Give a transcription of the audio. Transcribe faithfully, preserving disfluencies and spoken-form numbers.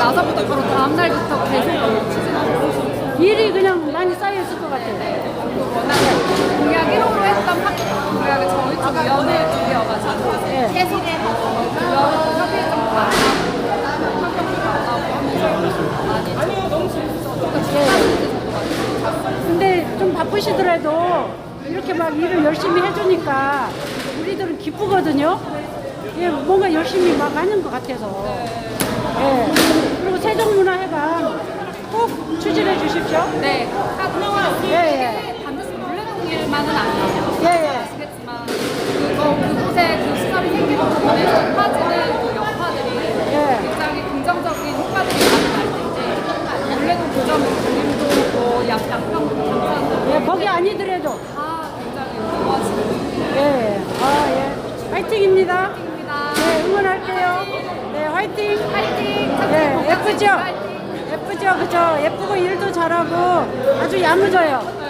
나서부터 바로 다음 날부터 계속 추진하셨어요. 일이 그냥 많이 쌓여있을 것 같아요. 워낙 공약 일 호로 했던 학교 공약을 저희 쪽 위원회 쪽이어가지고 네. 계속 위원 협의회장 만나고 협력도 만나고 하면서 많이 너무 재밌어서 근데 좀 바쁘시더라도 이렇게 막 일을 열심히 해주니까 우리들은 기쁘거든요. 예, 뭔가 열심히 막 하는 것 같아서. 예. 그리고 세종문화회관 꼭 추진해 주십시오. 네, 딱 예, 예. 반드시 물레동일만은 아니에요. 예, 예. 아시겠지만 그거 그곳에 그 시설이 생기는 부분에서 퍼지는 그 여파들이 예. 굉장히 긍정적인 효과들이 많이 날 텐데 물레동 고점 동림도 뭐 양- 양평도 강산도 예, 거기 아니더라도. 다 굉장히 좋아지는 예. 아, 예. 화이팅입니다. 입니다. 네, 응원할게요. 네, 화이팅. 파이팅! 네, 예쁘죠? 파이팅! 예쁘죠? 그죠? 예쁘고 일도 잘하고 아주 야무져요.